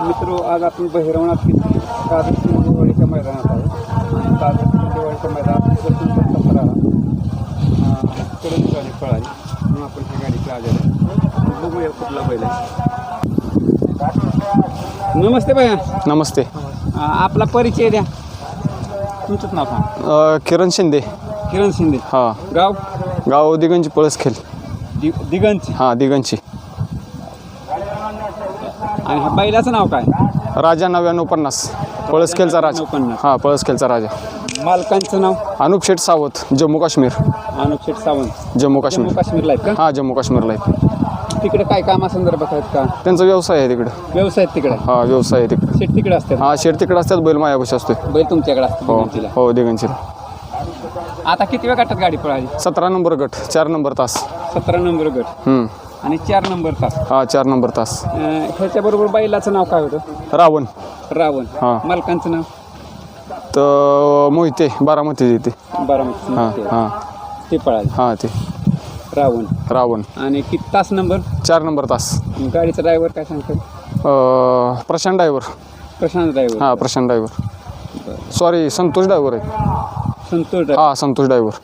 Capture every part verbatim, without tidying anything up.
मित्रो, आज आपण बहिरवणात घेतली काजळ दिवाळीच्या मैदानात आहे आणि काजळ दिवाळीच्या मैदानात सतरा कडून गाडी पळाली म्हणून आपण ही गाडी आलेली आहे. बघूया कुठला बैल आहे. नमस्ते भैया. नमस्ते. आपला परिचय द्या. तुमचंच नाव सांग. अ, किरण शिंदे. किरण शिंदे. हां. गाव गाव दिगंची पळसखेल. दि दिगंची. हां दिगंची. आणि ह्या बैलाचं नाव काय? राजा नव्याण्णव पन्नास. पळसखेलचा राजा. पन्नास. हां पळसखेलचा राजा. मालकांचं नाव? अनुप शेठ सावत, जम्मू काश्मीर. अनुप शेठ सावंत, जम्मू काश्मीर. जम्मू काश्मीरला आहेत का? हां जम्मू काश्मीरला आहेत. तिकडे काय कामासंदर्भात आहेत का? त्यांचा व्यवसाय आहे तिकडे. व्यवसाय तिकडे? हां व्यवसाय आहे तिकडे. शेठ तिकडे असतात? हां शेठ तिकडे असतात, बैल मायापाशी असतोय. बैल तुमच्याकडे असतो? हो दिगंचीला. हो दिगंचीला. आता किती वेळ गटात गाडी पळाली? सतरा नंबर गट, चार नंबर तास. सतरा नंबर गट हम्म. आणि चार नंबर तास. हां चार नंबर तास. अं, ह्याच्याबरोबर बैलाचं नाव काय होतं? रावण. रावण. हां. मालकांचं नाव? तर मोहिते बारामती येते. बारामती. हां हां ते पळाले. हां ते रावण. रावण. आणि किती तास नंबर? चार नंबर तास. गाडीचा ड्रायव्हर काय सांगतो? अ, प्रशांत ड्रायव्हर. प्रशांत ड्रायव्हर. हां Prashant driver. Sorry Santosh driver आहे. संतोष. हां संतोष ड्रायव्हर.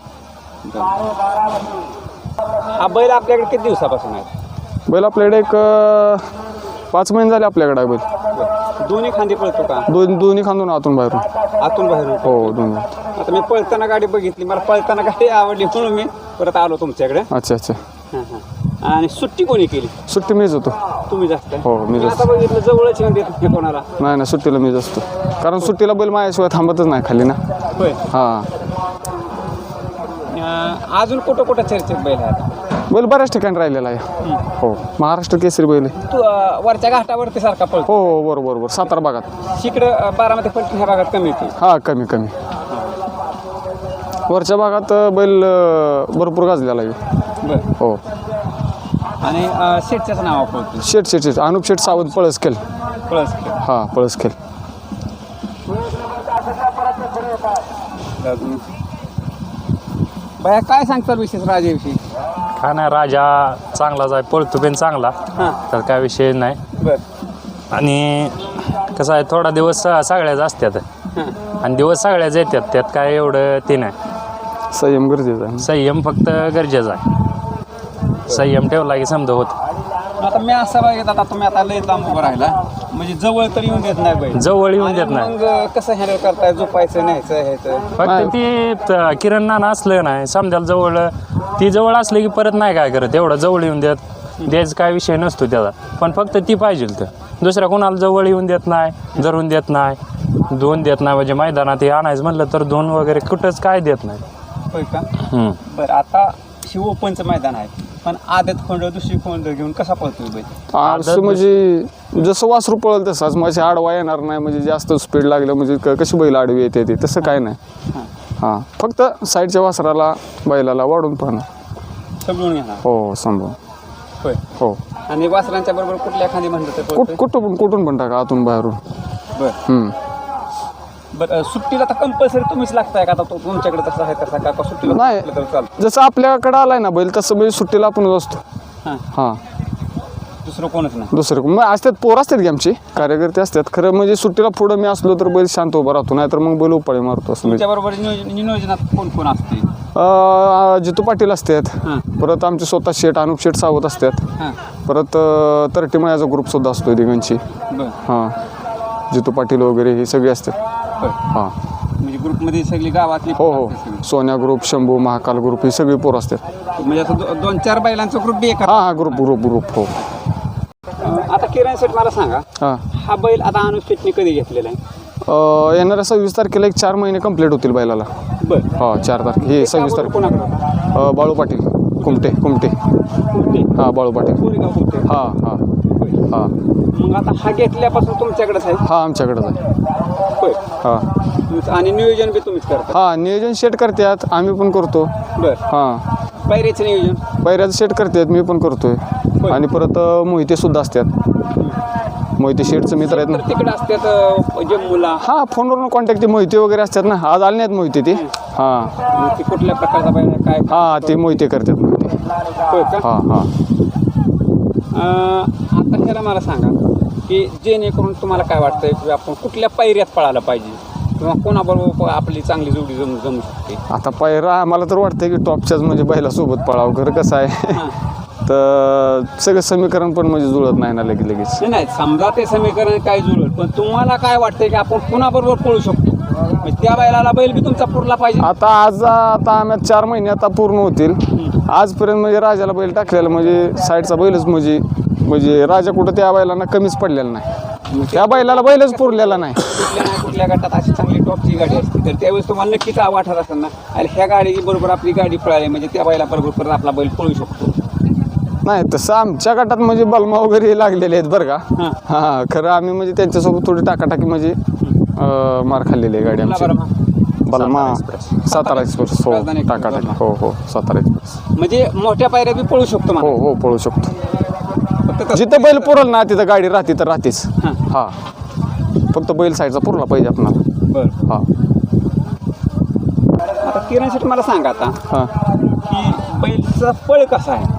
हा बैल आपल्याकडे किती दिवसापासून आहे? बैल आपल्याकडे एक अ, पाच महिने झाले आपल्याकडे आहे बैल. दोन्ही खांदी पळतो का? दोन दोन्ही खांदून आतून बाहेरून. आतून बाहेरून? हो दोन्ही. आता मी पळताना गाडी बघितली, मला पळताना गाडी आवडली म्हणून मी परत आलो तुमच्याकडे. अच्छा अच्छा. हां हां. आणि सुट्टी कोणी केली? सुट्टी मीच होतो. तुम्ही जास्त? हो मी जास्त. आता बघितलं जवळच येऊन देत नाही कोणाला. नाही नाही सुट्टीला मीच असतो, कारण सुट्टीला बैल माझ्याशिवाय थांबतच नाही खाली ना. होय. हां. अं, अजून कुठं कुठं चर्चेत बैल आहे? बैल बऱ्याच ठिकाणी राहिलेला आहे. हो महाराष्ट्र केसरी बैल आहे. तू अं, वरच्या घाटावरती सारखा पळतो? हो हो बरोबर बरोबर. सातारा भागात. इकडं अं, बारामती पलटी ह्या भागात कमी येते? हां कमी कमी. वरच्या भागात बैल अ, भरपूर गाजलेला आहे. बरं. हो. आणि अं, शेठच्याच नाव पळतो? शेठ शेठ शेठ अनुप शेठ सावंत पळसखेल. पळस. हां पळसखेल. बाया काय सांगतात विशेष राजाविषयी? काय नाही, राजा चांगलाच आहे, पळतो पण चांगला. हां. तर काय विषय नाही. बरं. आणि कसं आहे, थोडा दिवस स- सगळ्याच असतात हां. आणि दिवस सगळ्याच येतात, त्यात काय एवढं ते नाही. संयम गरजेचा आहे. संयम फक्त गरजेचा आहे. संयम ठेवला की समजा होत. आता मी असं बघितलं, आता तुम्ही आता लय लांब उभं राहिला म्हणजे जवळ तर येऊन देत नाही बैल. जवळ येऊन देत आणि नाही. मग कसं हँडल करताय? झोपायचं न्यायचं ह्याचं? फक्त ती त- किरण नाना असलं नाही समजायला, जवळ ती जवळ असले की परत नाही काय करत, एवढं जवळ येऊन देत द्यायचं काय विषय नसतो त्याचा. पण फक्त ती पाहिजे तर दुसऱ्या कोणाला जवळ येऊन देत नाही, धरून देत नाही, दोन देत नाही. म्हणजे मैदानात हे आणायचं म्हणलं तर दोन वगैरे कुठंच काय देत नाही. होय का? हम्म. बरं. आता शिव ओपनचं मैदान आहे, पण आदत खोंड दुसरी खोंड घेऊन कसा पळतोय बैल? असं म्हणजे जसं वासरू पळेल तसाच, माझी आडवा येणार नाही. म्हणजे जास्त स्पीड लागलं म्हणजे क- कशी बैल आडवी येते ते तसं काय नाही. हां. हां फक्त साईडच्या वासराला बैलाला वाढून पाहणार. समजून घेणार? हो सांभाळ. होय. हो. आणि वासरांच्या बरोबर कुठल्या खांदी म्हणलं तर कुठ पळतोय? कुठं पण कुठून पण टाका आतून बाहेरून. बरं. हम्म. बरं. सुट्टीला तर कंपल्सरी तुम्हीच लागताय का? आता तो तुमच्याकडे तसं आहे तसा का? का सुट्टीला नाही. म्हटलं तर चालतं? जसं आपल्याकडं आलाय ना बैल तसं म्हणजे सुट्टीला आपण असतो. हां. हां दुसरं कोणच नाही? दुसरं कोण- मग असतात पोर असतात की आमची कार्यकर्ते असतात. खरं म्हणजे सुट्टीला पुढं मी असलो तर बैल शांत उभा राहतो, नाही तर मग बैल उपाळी मारतो असं म्हणजे. तुमच्याबरोबर नियोजन नियोजनात कोण कोण असते? अं, जितू पाटील असतात. हां. परत आमचे स्वतः शेठ अनुप शेठ सावत असतात. हां. परत तरटी मयाचा ग्रुपसुद्धा असतो दिगंची. बरं. हां जितू पाटील वगैरे हे सगळे असतात. बरं. हां म्हणजे ग्रुपमध्ये सगळी गावातली हो पोरं हो असतात सगळी? सोन्या ग्रुप, शंभू, महाकाल ग्रुप ही सगळी पोरं असतात. म्हणजे असं दो- दोन चार बैलांचा ग्रुप बी एका? हां हां ग्रुप ग्रुप ग्रुप हो. आता किरण शेठ मला सांगा, हां हा बैल आता अनुप शेठने कधी घेतलेला आहे? अं, येणाऱ्या सव्वीस तारखेला एक चार महिने कंप्लीट होतील बैलाला. बरं. हा चार तारखे हे सव्वीस तारखे. कोणाकडे? अं, बाळू पाटील कुमटे कुमटे. हां बाळू पाटील. कोरेगाव कुठे? हां हां हां मग आता हा घेतल्यापासून तुमच्याकडेच आहे? हां आमच्याकडंच आहे. होय. हां आणि नियोजन बी तुम्हीच करता? हां नियोजन सेट करतात, आम्ही पण करतो. बरं. हां पायऱ्याचं नियोजन? पैऱ्याचं सेट करतात, मी पण करतोय. होय. आणि परत अं, मोहिते सुद्धा असतात. मोहिते शेठचं मित्र आहेत ना. तर तिकडे असतात अं, जम्मूला? हां फोनवरून कॉन्टॅक्ट ते मोहिते वगैरे असतात ना, आज आले नाहीत मोहिते ते. हां मग ती कुठल्या प्रकारचा बैल आहे, काय? हां ते मोहिते करतात मोहिते. होय का? हां हां अं, आता ह्याला मला सांगा, की जेणेकरून तुम्हाला काय वाटतंय की आपण कुठल्या पायऱ्यात पळायला पाहिजे किंवा कोणाबरोबर आपली चांगली जोडी जमू जमू शकते? आता पायरा आम्हाला तर वाटतं की टॉपच्याच म्हणजे बैलासोबत पळावं. खरं कसं आहे तर सगळं समीकरण पण म्हणजे जुळत नाही ना लगेच लगेच. नाही नाही समजा ते समीकरण काय जुळत, पण तुम्हाला काय वाटतंय की आपण कुणाबरोबर पळू शकतो? म्हणजे त्या बैलाला बैल बी तुमचा पुरला पाहिजे. आता आज आता आम्ही चार महिने आता पूर्ण होतील. आजपर्यंत म्हणजे राजाला बैल टाकलेला म्हणजे साईडचा बैलच म्हणजे म्हणजे राजा कुठं त्या बैलांना कमीच पडलेला नाही. त्या बैलाला बैलच पुरलेला नाही. कुठल्या ना कुठल्या गटात अशी चांगली टॉपची गाडी असते तर त्यावेळेस तुम्हाला नक्कीच वाटत असेल ना, अरे ह्या गाडी बरोबर आपली गाडी पळाली म्हणजे त्या बैला बरोबर परत आपला बैल पळू शकतो. नाही तसं आमच्या गटात म्हणजे बलमा वगैरे लागलेले आहेत बरं का. हां. हां खरं आम्ही म्हणजे त्यांच्यासोबत थोडी टाकाटाकी म्हणजे अं, मार खाल्लेली आहे गाडी आमची. बलमा सातारा एक्सप्रेस हो राजधानी एक्सप्रेस, टाकाटाकी बलमा. हो हो सातारा एक्सप्रेस म्हणजे मोठ्या पायऱ्या बी पळू शकतो हो मला. हो पळू शकतो. फक्त तसं- जिथं बैल पुरल ना तिथं गाडी राहते तर राहतेच. हां. हा फक्त बैल साईडचा पुरला पाहिजे आपणाला. बरं. हा आता किरण शेठ मला सांगा आता हा की बैलचा पळ कसा आहे?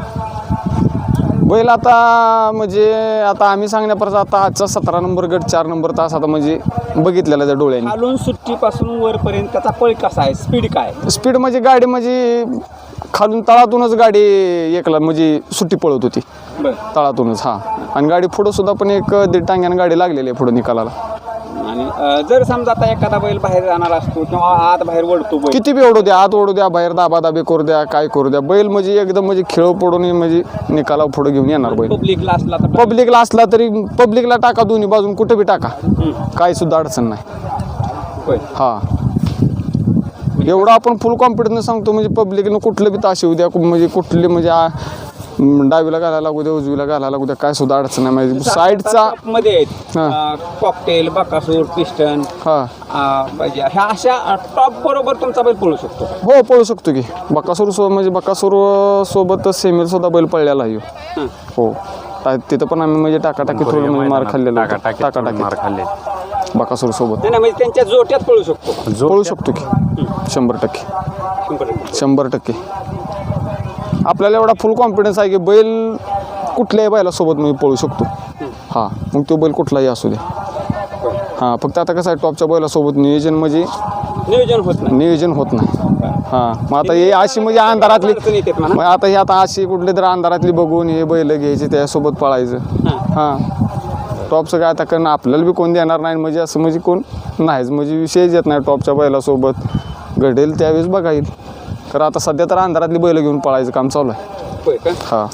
बैल आता म्हणजे आता आम्ही सांगण्यापर्यंत आता आजचा सतरा नंबर गट चार नंबर तास आता म्हणजे बघितलेला त्या डोळ्यांनी. खालून सुट्टीपासून वरपर्यंत त्याचा पळ कसा आहे, स्पीड काय? स्पीड म्हणजे गाडी म्हणजे खालून तळातूनच गाडी एकला म्हणजे सुट्टी पळत होती बरं. तळातूनच. हा आणि गाडी पुढं सुद्धा पण एक दीड टांग्यानं गाडी लागलेली आहे पुढं निकालाला. आणि अं, जर समजा आता एखादा बैल बाहेर जाणार असतो किंवा आत बाहेर वळतो बैल, किती बी ओढू द्या आत ओढू द्या बाहेर दाबा दाबी करू द्या काय करू द्या बैल म्हणजे एकदम म्हणजे खेळ पडून म्हणजे निकाला पुढे घेऊन येणार बैल. पब्लिकला असला तर पब्लिकला असला तरी पब्लिकला टाका दोन्ही बाजून कुठे बी टाका काही सुद्धा अडचण नाही. होय. हा एवढं आपण फुल कॉन्फिडन्स सांगतो म्हणजे पब्लिकनं कुठलं बी ताश येऊ द्या म्हणजे कुठली म्हणजे आ- म, डावीला घालायला लागू द्या उजवीला घालायला लागू द्या काय सुद्धा अडचण नाही म्हणजे साईडचा. मध्ये आहेत हां. कॉकटेल, बकासूर, पिस्टन, हा म्हणजे ह्या अशा टॉप बरोबर तुमचा बैल पळू शकतो. हो पळू शकतो की बकासूर सो म्हणजे बकासूर सोबतच सेमील सुद्धा बैल पळलेला आहे ह्यो. हं. हो ता- तिथं पण आम्ही म्हणजे टाकाटाकी थोडं म्हणजे मार खाल्लेला होता. टाकाटाकी मार टाकाटाकी खाल्ले. बकासूर सोबत नाही नाही, म्हणजे त्यांच्या जोट्यात पळू शकतो. पळू शकतो की शंभर टक्के शंभर टक्के. शंभर टक्के आपल्याला एवढा फुल कॉन्फिडन्स आहे की बैल कुठल्याही बैलासोबत मी पळू शकतो. हां मग तो बैल कुठलाही असू दे. हां फक्त आता कसं आहे टॉपच्या बैलासोबत नियोजन म्हणजे नियोजन होत नाही. नियोजन होत नाही. हां मग आता हे अशी म्हणजे अंधारातली अडचणी येतात म्हणा. मग आता हे आता अशी कुठली तर अंधारातली बघून हे बैल घ्यायचे त्यासोबत पळायचं. हां टॉपचं काय आता कारण आपल्याला बी कोण देणार नाही म्हणजे असं म्हणजे कोण नाहीच म्हणजे विषयच येत नाही टॉपच्या बैलासोबत घडेल त्यावेळेस बघा येईल. तर आता सध्या तर अंधारातली बैल घेऊन पळायचं काम चालू आहे. होय का? हां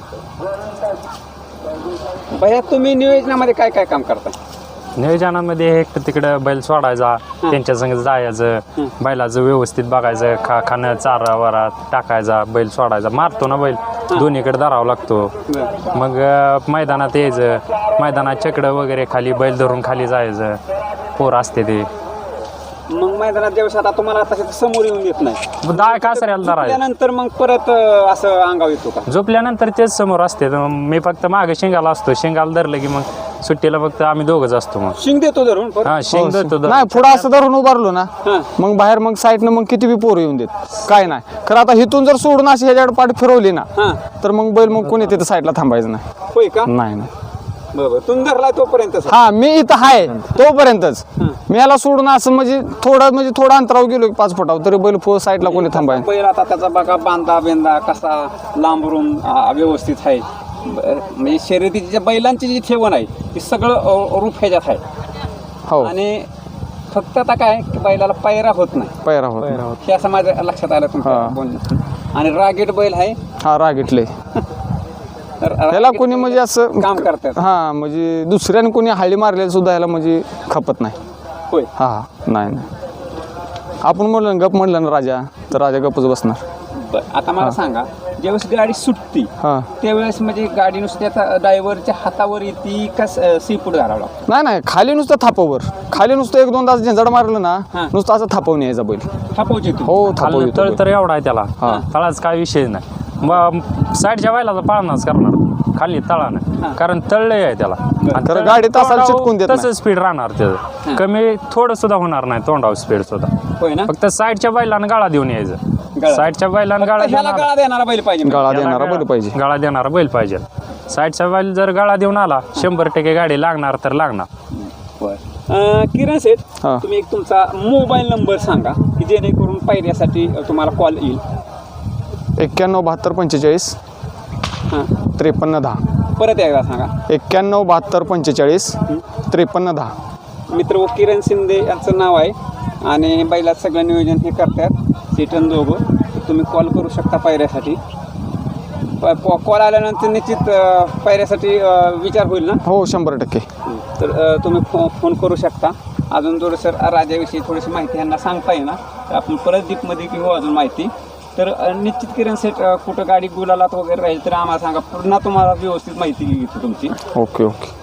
भैया तुम्ही नियोजनामध्ये काय काय काम करता? नियोजनामध्ये एक तर तिकडं बैल सोडायचा त्यांच्या संग जायचं बैलाचं व्यवस्थित बघायचं खा खाणं चारा वारा टाकायचा बैल सोडायचा मारतो ना बैल दोन्हीकडे धरावा लागतो. मग अं, मैदानात यायचं मैदानात चकडं वगैरे खाली बैल धरून खाली जायचं पोर असते ते मग मैदानात ज्यावेळेस आता तुम्हाला आता तिथं समोर येऊन देत नाही दहा कासऱ्याला धरायचं त्यानंतर मग परत अं, असं अंगाव येतो का? झोपल्यानंतर तेच समोर असते तर मग मी फक्त मागे शिंगाला असतो शिंगाला धरलं की मग सुट्टीला फक्त आम्ही दोघंच असतो. मग शिंग देतो धरून परत? हा शिंग धरतो धरून. नाही पुढं असं धरून उभारलो ना हां. मग बाहेर मग साईडनं मग किती बी पोरं येऊन देत काय नाही. खरं आता इथून जर सोडून अशी ह्याच्याकडे पाठ फिरवली ना हां. तर मग बैल मग कोणी तिथं साईडला थांबायचं नाही. होय का? नाही नाही बरोबर तुम्ही धरलाय तोपर्यंत हा मी इथं आहे तोपर्यंतच मी याला सोडून असं म्हणजे थोडं म्हणजे थोडं अंतरावर गेलो की पाच फुटावर तरी बैल फो साईडला कोणी थांबाय. बैल आता त्याचा बघा बांधा बेंदा कसा लांबरून आ, व्यवस्थित आहे. ब- म्हणजे शर्यतीची ज्या बैलांची जी ठेवण आहे ती सगळं अ, रूप ह्याच्यात आहे. हो आणि फक्त आता काय की बैलाला पायरा होत नाही पैरा होत हे असं माझ्या लक्षात आलं तुमच्या हां. बोलण्यात. आणि रागेट बैल आहे हा रागिटले तर ह्याला रागीट कोणी म्हणजे असं काम करतात. हा म्हणजे दुसऱ्याने कोणी हळी मारलेलं सुद्धा ह्याला म्हणजे खपत नाही. होय. हा नाही नाही आपण म्हणलं ना गप म्हणलं ना राजा तर राजा गपच बसणार. बरं आता मला सांगा ज्यावेळेस गाडी सुटती हां त्यावेळेस म्हणजे गाडी नुसत्या ड्रायव्हरच्या हातावर येते का सीपूट घालावं लागतं? नाही नाही खाली नुसतं थापवर खाली नुसतं एक दोन तास झंझड मारलं ना हां. नुसतं असं थापवून यायचा बैल. थापवची तू हो थापव खाली येतो तळ बैल. तर एवढा आहे त्याला हा. तळाच काय विषय नाही. मग साईडच्या बैलाचा पाळणाच करणार खाली तळानं कारण तळलंय आहे त्याला आणि तर तळ- गाडी तासाला तोंडावर चिटकून देत नाही. तसं स्पीड राहणार त्याचं कमी थोडं सुद्धा होणार नाही तोंडावर स्पीड सुद्धा. होय ना? फक्त साईडच्या बैलानं गाळा देऊन यायचं गाळा. साईडच्या बैलानं गाळा ह्याला देणार गळा देणारा बैल पाहिजे. गाळा याला देणारा गाळा- बैल पाहिजे. गाळा देणारा बैल पाहिजे साईडचा बैल जर गळा देऊन आला शंभर टक्के गाडी लागणार तर लागणार. बरं किरण सेठ, हा. तुम्ही एक तुमचा मोबाईल नंबर सांगा की जेणेकरून पायऱ्यासाठी तुम्हाला कॉल येईल. एक्क्याण्णव बहात्तर पंचेचाळीस हां, त्रेपन्न दहा. परत एकदा सांगा. एक्क्याण्णव बहात्तर पंचेचाळीस त्रेपन्न दहा. मित्र व किरण शिंदे यांचं नाव आहे आणि बैलात सगळं नियोजन हे करतात सेटन दोघं. तुम्ही कॉल करू शकता पायऱ्यासाठी. कॉल आल्यानंतर निश्चित अ, पायऱ्यासाठी अ, विचार होईल ना. हो शंभर टक्के. तर अ, तुम्ही फो फोन करू शकता. अजून थोडंसर राजाविषयी थोडीशी माहिती यांना सांगता येईल ना, तर आपण परत डीपमध्ये घेऊ अजून माहिती. तर अ, निश्चित किरण सेट अ, कुठं गाडी गुलालात वगैरे राहील तर आम्हाला सांगा, पुन्हा तुम्हाला व्यवस्थित माहिती घेतो तुमची. Okay okay.